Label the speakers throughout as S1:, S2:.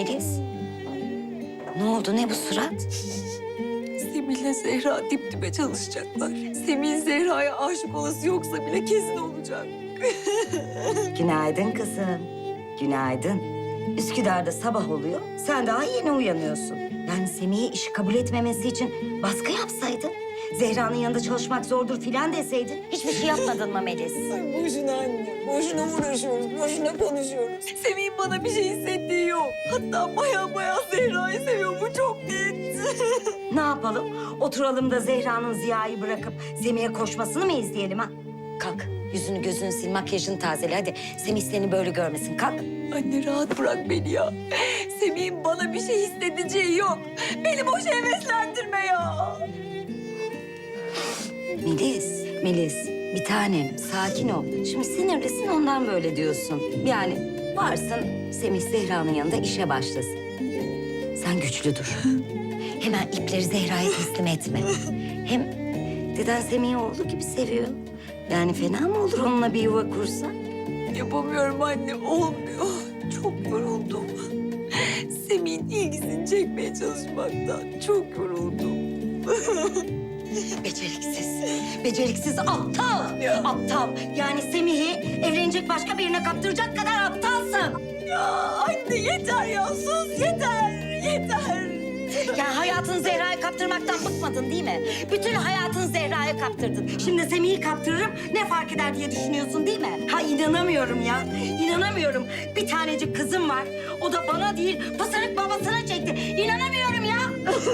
S1: Melis. Ne oldu, ne bu surat?
S2: Semih'le Zehra dip dibe çalışacaklar. Semih'in Zehra'ya aşık olası yoksa bile kesin olacak.
S1: Günaydın kızım. Günaydın. Üsküdar'da sabah oluyor, sen daha yeni uyanıyorsun. Yani Semih'e işi kabul etmemesi için baskı yapsaydın. Zehra'nın yanında çalışmak zordur filan deseydin. Hiçbir şey yapmadın mı Melis?
S2: Ay boşuna anne, boşuna uğraşıyoruz, boşuna konuşuyoruz. Semih'in bana bir şey hissettiği yok. Hatta baya Zehra'yı seviyor, bu çok net.
S1: Ne yapalım? Oturalım da Zehra'nın Ziya'yı bırakıp Semih'e koşmasını mı izleyelim ha? Kalk, yüzünü gözünü sil, makyajını tazele hadi. Semih seni böyle görmesin, kalk.
S2: Anne rahat bırak beni ya. Semih'in bana bir şey hissedeceği yok. Beni boş heveslendirme ya.
S1: Melis, bir tanem sakin ol. Şimdi sinirlisin ondan böyle diyorsun. Yani varsın Semih Zehra'nın yanında işe başlasın. Sen güçlü dur. Hemen ipleri Zehra'ya teslim etme. Hem deden Semih'i oğlu gibi seviyor. Yani fena mı olur onunla bir yuva kursa?
S2: Yapamıyorum anne, olmuyor. Çok yoruldum. Semih'in ilgisini çekmeye çalışmaktan çok yoruldum.
S1: Beceriksiz aptal.
S2: Ya.
S1: Aptal. Yani Semih'i evlenecek başka birine kaptıracak kadar aptalsın.
S2: Ya anne yeter ya, sus yeter.
S1: Yani hayatını Zehra'ya kaptırmaktan bıkmadın değil mi? Bütün hayatını Zehra'ya kaptırdın. Şimdi Semih'i kaptırırım ne fark eder diye düşünüyorsun değil mi? Ha inanamıyorum ya. İnanamıyorum. Bir tanecik kızım var. O da bana değil pısırık babasına çekti. İnanamıyorum ya.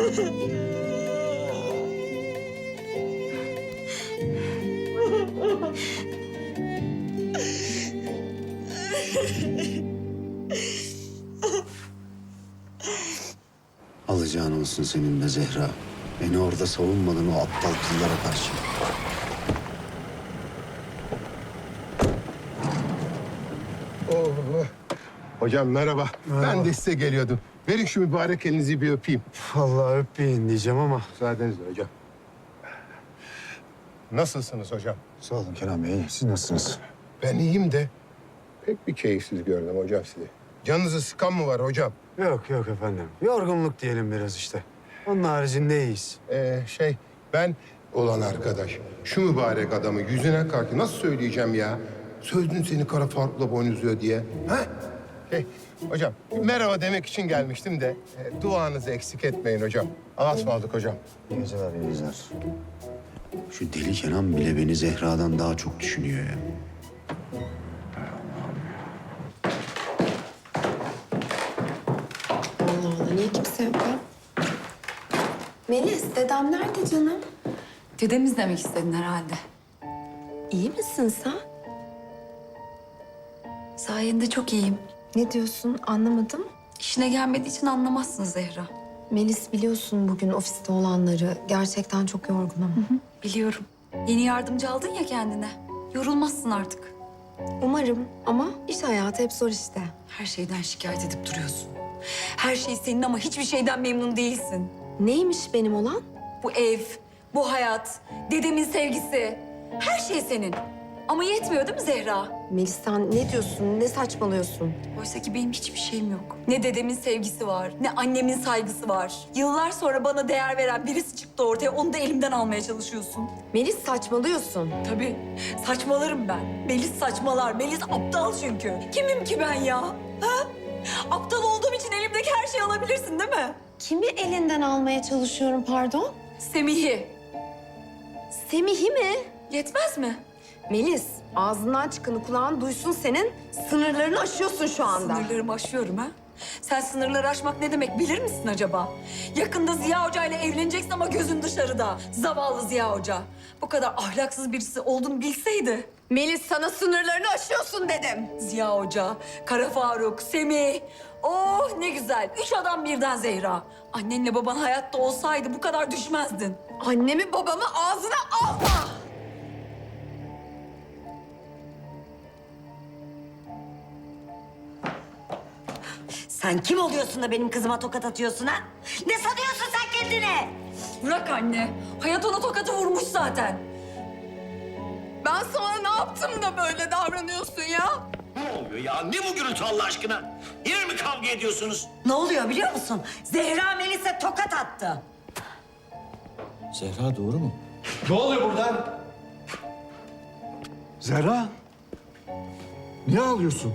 S3: Alacağın olsun senin de Zehra. Beni orada savunmadın o aptal kızlara karşı.
S4: Oh. Hocam merhaba. Ben de size geliyordum. Verin şu mübarek elinizi bir öpeyim.
S5: Vallahi öpmeyin diyeceğim ama.
S4: Müsaadenizle hocam. Nasılsınız hocam?
S3: Sağ olun Kenan Bey. Siz nasılsınız?
S4: Ben iyiyim de pek bir keyifsiz gördüm hocam sizi. Canınızı sıkan mı var hocam?
S5: Yok efendim. Yorgunluk diyelim biraz işte. Onun haricinde iyiyiz.
S4: Ben olan arkadaş şu mübarek adamı yüzüne karşı nasıl söyleyeceğim ya? Sözün seni kara Faruk'la boynuzluyor diye. Ha? Hocam merhaba demek için gelmiştim de duanızı eksik etmeyin hocam. Allah'a ısmarladık hocam.
S3: İyi geceler, iyi geceler. Şu deli Kenan bile beni Zehra'dan daha çok düşünüyor ya.
S6: Allah Allah, niye kimse yok ya? Melis, dedem nerede canım?
S2: Dedemiz demek istedin herhalde.
S6: İyi misin sen?
S2: Sayende çok iyiyim.
S6: Ne diyorsun, anlamadım.
S2: İşine gelmediği için anlamazsın Zehra.
S6: Melis, biliyorsun bugün ofiste olanları. Gerçekten çok yorgunum.
S2: Biliyorum. Yeni yardımcı aldın ya kendine. Yorulmazsın artık.
S6: Umarım ama iş hayatı hep zor işte.
S2: Her şeyden şikayet edip duruyorsun. Her şey senin ama hiçbir şeyden memnun değilsin.
S6: Neymiş benim olan?
S2: Bu ev, bu hayat, dedemin sevgisi. Her şey senin. Ama yetmiyor değil mi Zehra?
S6: Melis sen ne diyorsun, ne saçmalıyorsun?
S2: Oysa ki benim hiçbir şeyim yok. Ne dedemin sevgisi var, ne annemin saygısı var. Yıllar sonra bana değer veren birisi çıktı ortaya, onu da elimden almaya çalışıyorsun.
S6: Melis saçmalıyorsun.
S2: Tabii, saçmalarım ben. Melis saçmalar, Melis aptal çünkü. Kimim ki ben ya? Ha? Aptal olduğum için elimdeki her şeyi alabilirsin değil mi?
S6: Kimi elinden almaya çalışıyorum pardon?
S2: Semih'i.
S6: Semih'i mi?
S2: Yetmez mi?
S6: Melis, ağzından çıkanı kulağın duysun senin. Sınırlarını aşıyorsun şu anda.
S2: Sınırlarımı aşıyorum ha? Sen sınırları aşmak ne demek bilir misin acaba? Yakında Ziya Hoca ile evleneceksin ama gözün dışarıda. Zavallı Ziya Hoca. Bu kadar ahlaksız birisi olduğunu bilseydi.
S6: Melis sana sınırlarını aşıyorsun dedim.
S2: Ziya Hoca, Kara Faruk, Semih. Oh ne güzel. 3 adam birden Zehra. Annenle baban hayatta olsaydı bu kadar düşmezdin.
S6: Annemi babamı ağzına alma.
S1: Sen kim oluyorsun da benim kızıma tokat atıyorsun ha? Ne sanıyorsun sen kendine?
S2: Bırak anne. Hayat ona tokatı vurmuş zaten.
S6: Ben sana ne yaptım da böyle davranıyorsun ya?
S7: oluyor ya? Ne bu gürültü Allah aşkına? Yine mi kavga ediyorsunuz?
S1: Ne oluyor biliyor musun? Zehra Melis'e tokat attı.
S7: Zehra doğru mu?
S8: Ne oluyor burada?
S5: Zehra. Niye ağlıyorsun?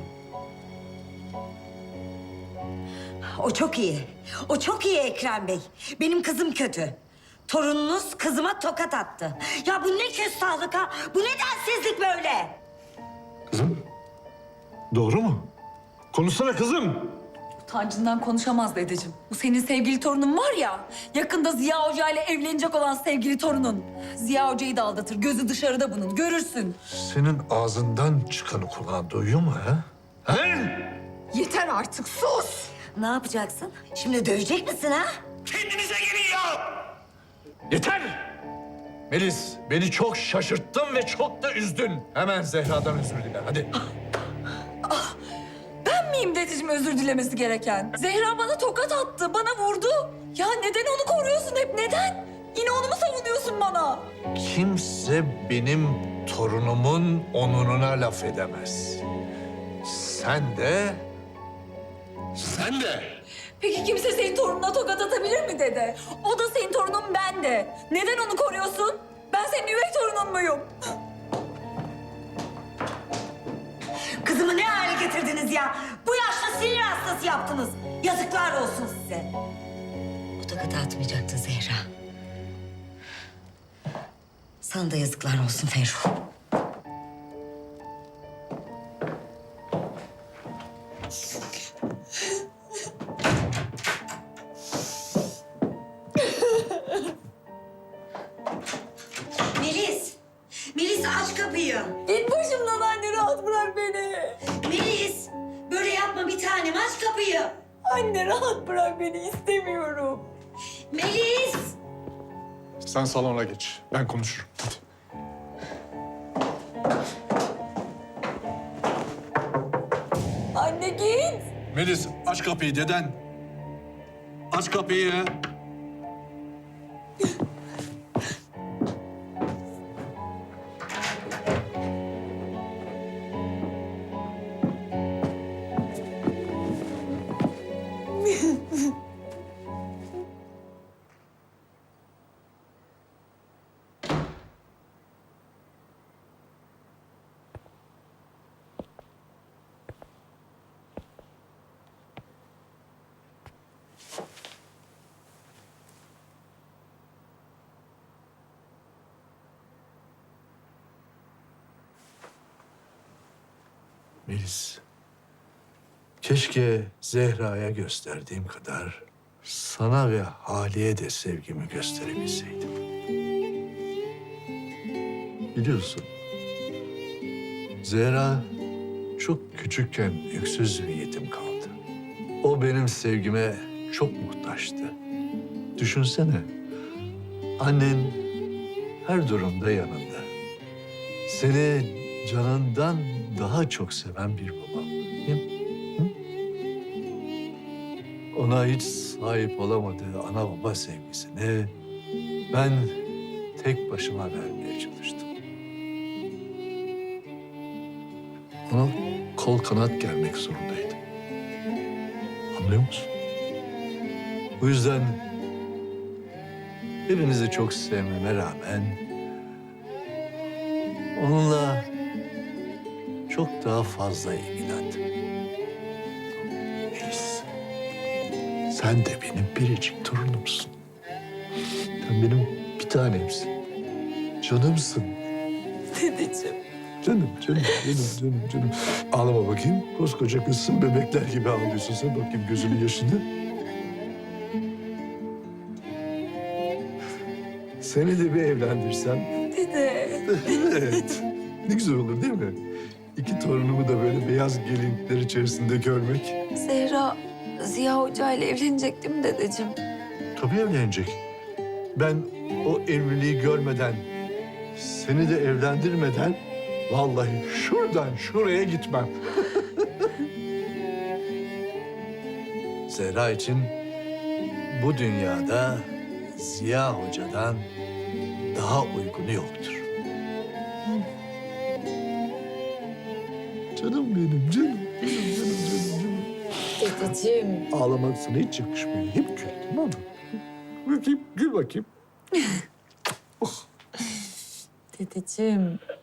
S1: O çok iyi. O çok iyi Ekrem Bey. Benim kızım kötü. Torununuz kızıma tokat attı. Ya bu ne küstahlık ha? Bu ne densizlik böyle?
S8: Kızım, doğru mu? Konuşsana kızım.
S2: Utancından konuşamaz dedeciğim. Bu senin sevgili torunun var ya, yakında Ziya Hoca ile evlenecek olan sevgili torunun. Ziya Hoca'yı da aldatır, gözü dışarıda bunun, görürsün.
S8: Senin ağzından çıkanı kulağın duyuyor mu ha? He?
S6: Yeter artık sus.
S1: Ne yapacaksın? Şimdi dövecek misin ha?
S7: Kendinize gelin ya!
S8: Yeter! Melis, beni çok şaşırttın ve çok da üzdün. Hemen Zehra'dan özür dile, hadi.
S2: Ben miyim dedeciğim özür dilemesi gereken? Zehra bana tokat attı, bana vurdu. Ya neden onu koruyorsun hep, neden? Yine onu mu savunuyorsun bana?
S8: Kimse benim torunumun onuruna laf edemez. Sen de...
S7: Sen de.
S2: Peki kimse senin torununa tokat atabilir mi dede? O da senin torunun, ben de. Neden onu koruyorsun? Ben senin üvey torunun muyum?
S1: Kızımı ne hale getirdiniz ya? Bu yaşta sinir hastası yaptınız. Yazıklar olsun size. O tokatı atmayacaktı Zehra. Sana da yazıklar olsun Ferruh. Melis! Melis aç kapıyı.
S2: Git başımdan anne, rahat bırak beni.
S1: Melis! Böyle yapma bir tanem, aç kapıyı.
S2: Anne rahat bırak beni, istemiyorum.
S1: Melis!
S8: Sen salona geç, ben konuşurum. Hadi.
S2: Anne git.
S8: Melis, aç kapıyı deden. Aç kapıyı. Melis, keşke Zehra'ya gösterdiğim kadar sana ve Hali'ye de sevgimi gösterebilseydim. Biliyorsun, Zehra çok küçükken öksüz bir yetim kaldı. O benim sevgime çok muhtaçtı. Düşünsene, annen her durumda yanında. Seni canından daha çok seven bir babam. Değil mi? Hı? Ona hiç sahip olamadığı ana baba sevgisini ben tek başıma vermeye çalıştım. Ona kol kanat germek zorundaydım. Anlıyor musun? Bu yüzden hepinizi çok sevmeme rağmen onunla çok daha fazla ilgilendim. Melis, sen de benim biricik torunumsun. Sen benim bir tanemsin. Canımsın.
S2: Dedeciğim.
S8: Canım. Ağlama bakayım. Koskoca kızsın, bebekler gibi ağlıyorsun. Sen bakayım gözünün yaşını. Seni de bir evlendirsem.
S2: Dede.
S8: Evet. Ne güzel olur değil mi? İki torunumu da böyle beyaz gelinlikler içerisinde görmek.
S2: Zehra Ziya Hoca ile evlenecek değil mi dedeciğim?
S8: Tabii evlenecek. Ben o evliliği görmeden, seni de evlendirmeden vallahi şuradan şuraya gitmem. Zehra için bu dünyada Ziya Hoca'dan daha uygunu yoktur. Canım benim, canım.
S2: Dedeciğim.
S8: Ağlamak sana hiç yakışmıyor. Hep gül, tamam mı? Bakayım, gül bakayım.
S2: Dedeciğim.